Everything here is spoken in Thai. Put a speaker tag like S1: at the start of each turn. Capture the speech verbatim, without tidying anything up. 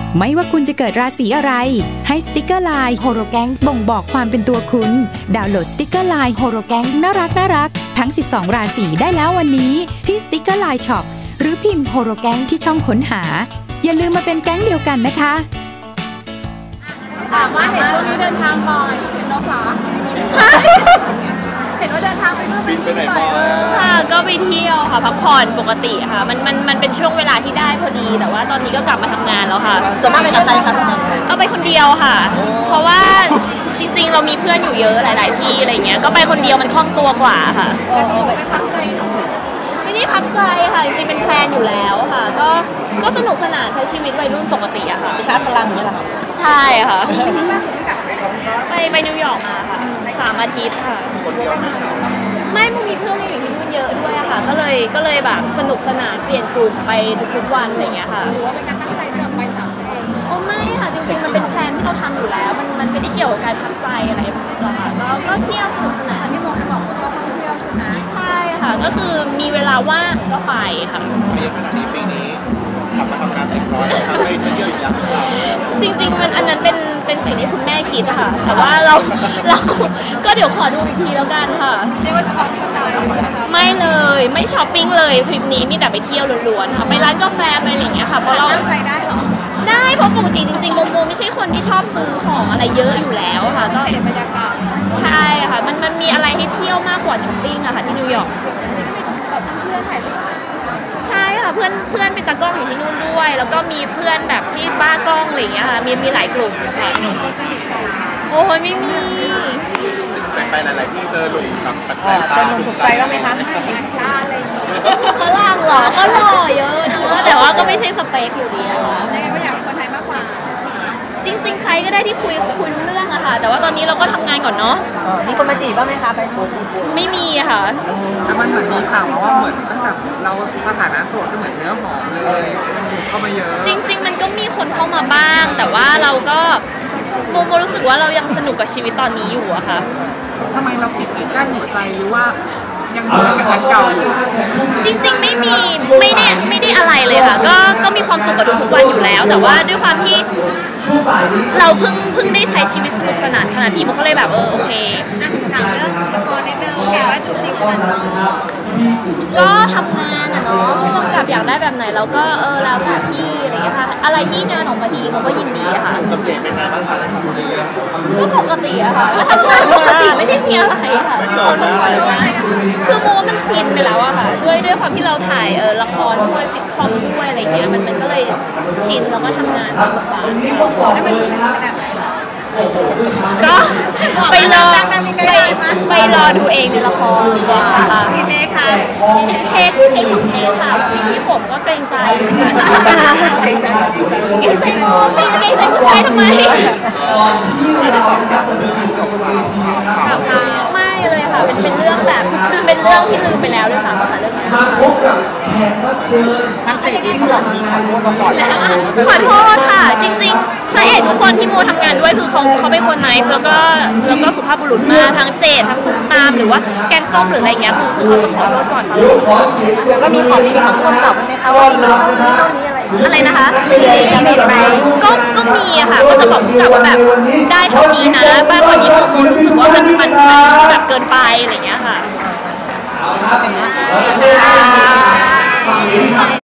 S1: ไม่ว่าคุณจะเกิดราศีอะไรให้สติกเกอร์ไลน์โฮโรแกงบ่งบอกความเป็นตัวคุณดาวน์โหลดสติกเกอร์ไลน์โฮโรแกงน่ารักน่ารักทั้งสิบสองราศีได้แล้ววันนี้ที่สติกเกอร์ไลน์ช็อปหรือพิมพ์โฮโรแกงที่ช่องค้นหาอย่าลืมมาเป็นแก๊งเดียวกันนะคะ
S2: ถามว่าเห็นช่วงนี้เดินทางบ่อยเป็นนกเหรอเห็นว่าเดินทางไปเมื่อปีไปบ่อย
S3: ค่ะก็ไปเที่ยวค่ะพักผ่อนปกติค่ะมันมันมันเป็นช่วงเวลาที่ได้พอดีแต่ว่าตอนนี้ก็กลับมาทำงานแล้วค่ะ
S2: ส่วนมากไปกับใครคะ
S3: เอาไปคนเดียวค่ะเพราะว่าจริงๆเรามีเพื่อนอยู่เยอะหลายๆที่อะไรเงี้ยก็ไปคนเดียวมันคล่องตัวกว่าค่ะ
S2: ไปพักใจหนู
S3: ไม่ได้พักใจค่ะจริงๆเป็นแพลนอยู่แล้วค่ะก็ก็สนุกสนานใช้ชีวิตวัยรุ่นปกติอะค่ะ
S2: ไปชาร์จพลังอย่างนี้แหละค่ะ
S3: ใช่ค่ะไปไปนิวยอร์กมาค่ะสามอาทิตย์ค่ะไม่มันมีเพื่อนอยู่ที่นู่นเยอะด้วยค่ะก็เลยก็เลยแบบสนุกสนานเปลี่ยนกลุ่มไปทุกๆวันอะไรเงี้ยค่ะ
S2: หรือว่าเป็นการตั้งใจเดินไปสามเอง
S3: โอ้ไม่ค่ะจริงๆมันเป็นแพลนที่เราทำอยู่แล้วมันมันไม่ได้เกี่ยวกับการพักใจอะไรหรอกค่ะก็ก็เที่ยวสนุกสนาน
S2: ที่โมจะบอกว่าชอบท่องเที่ยวใช่ไหม
S3: ใช่ค่ะก็คือมีเวลาว่างก็ไปค่ะ
S4: ปีขนาดนี้ปีนี้กลับมาทำงานเต็มร้อยแล้วทำให้เที่ยวอีกอย่างหรือเปล่า
S3: จริงๆมันอันนั้นเป็นเป็นสิ่งที่คุณแม่คิดค่ะแต่ว่าเราเราก็เดี๋ยวขอดูอีกทีแล้วกันค่ะ
S2: เรียกว่าช็อปสไตล์
S3: ไม่เลยไม่ช้อปปิ้งเลยทริปนี้มีแต่ไปเที่ยวล้วนๆค่ะไปร้านกาแฟไปอะไรอย่างเงี้ยค่ะเพราะเรา
S2: ไปได้หรอ
S3: ได้เพราะปกติจริงๆโมโมไม่ใช่คนที่ชอบซื้อของอะไรเยอะอยู่แล้วค่ะ
S2: ก็เห็นบรรยากาศ
S3: ใช่ค่ะมันมันมีอะไรให้เที่ยวมากกว่าช้อปปิ้งอะค่ะที่นิวยอร์ก
S2: นี่ก็มีแบบเพื่อนถ่ายรูป
S3: ใช่ค่ะเพื่อนเพื่อนเป็นตากล้องอยู่ที่นู่นด้วยแล้วก็มีเพื่อนแบบที่บ้ากล้องอะไรอย่างเงี้ยค่ะมีมีหลายกลุ่มค่ะโอ้ยไม่มี
S4: ไปหลายๆที่เจอหนุ่มแบบแปลกๆ
S2: เจอหนุ่มถูกใจบ้างไหมคะ
S3: ใช่อะไรฝรั่งเหรอก็หล่อเยอะนะแต่ว่าก็ไม่ใช่สเปคอยู่ดีอะค่ะ
S2: ยังไงก็อยากเป็นคนไทยมากกว่า
S3: จริงๆใครก็ได้ที่คุยคุยเรื่องอะค่ะแต่ว่าตอนนี้เราก็ทำงานก่อนเนาะ
S2: มีคนมาจีบบ้างไหมคะไปคุย
S3: ไม่มีอะค่ะ
S5: แต่มันเหมือนมีข่าวมาว่าเหมือนตั้งแต่เราสถานะโสดก็เหมือนเนื้อหอมเลยเข้ามาเยอะ
S3: จริงๆมันก็มีคนเข้ามาบ้างแต่ว่าเราก็โมโมรู้สึกว่าเรายังสนุกกับชีวิตตอนนี้อยู่อะค่ะ
S5: ทำไมเราปิดกั้นหัวใจหรือว่ายังเหมือนกับอันเก่าอยู่
S3: จริงๆไม่มีไม่ได้ไม่ได้อะไรเลยค่ะก็ก็มีความสุขกับทุกวันอยู่แล้วแต่ว่าด้วยความที่เราเพิ่งเพิ่งได้ใช้ชีวิตสนุกสนานขนาดนี้มันก็เลยแบบเออโอเค
S2: ถามเรื่องละครนิดนึงเห็นว่าจูบจริงสนั่นจอ
S3: ก็ทำงานอะเนาะผู้กำกับอยากได้แบบไหนเราก็เออแล้วแต่พี่อะไรอย่างเงี้ยค่ะอะไรที่งานออกมาดีมันก็ยินดีอะค่ะ
S4: กับเจเป็นไงบ้างคะอยู่ในเรื่อง
S3: ก็ปกติอะค่ะก็ทำงานปกติไม่ได้มีอะไรค่ะ
S4: ไม่เกิดนะ
S3: คือโมมันชินไปแล้วอะค่ะด้วยด้วยความที่เราถ่ายเออละครด้วยซิทคอมด้วยอะไรเงี้ยมันมันก็เลยชินแล้วก็ทำงานตามบทบาท
S2: ให้มันถึงขนาดไหนล่ะ
S3: ก็ไปรอไปรอดูเองในละครดีกว่าค่ะ
S2: พี่เทค่ะ
S3: เทคเทคของเทคค่ะพี่ผมก็เกรงใจเกรงใจโมสิเกรงใจผู้ชายทำไมไม่เลยค่ะเป็นเป็นเรื่องแบบเป็นเรื่องที่ลืมไปแล้วด้วยซ้ำค่ะเรื่องนี้
S5: ทั้งสี่ที่เขาบอกมีขอโทษก่อน
S3: ขอโทษค่ะจริงๆพระเอกทุกคนที่โมทำงานด้วยคือเขาเขาเป็นคนไนฟ์แล้วก็แล้วก็สุภาพบุรุษมากทั้งเจดทั้งตุ้มตามหรือว่าแกงส้มหรืออะไรเงี้ยคือคือเขาจะขอโทษก่อนค่ะ
S2: แล้วก็มีของดีของคนตอบไหมคะว่ามีเท่านี้เท่านี้อะไร
S3: อะไรนะคะ
S2: จะมีไหม
S3: ก็ก็มีอะค่ะก็จะบอกกับว่าแบบได้เท่านี้นะบางคนที่โมรู้สึกว่ามันมันแบบเกินไปอะไรเงี้ยค่ะ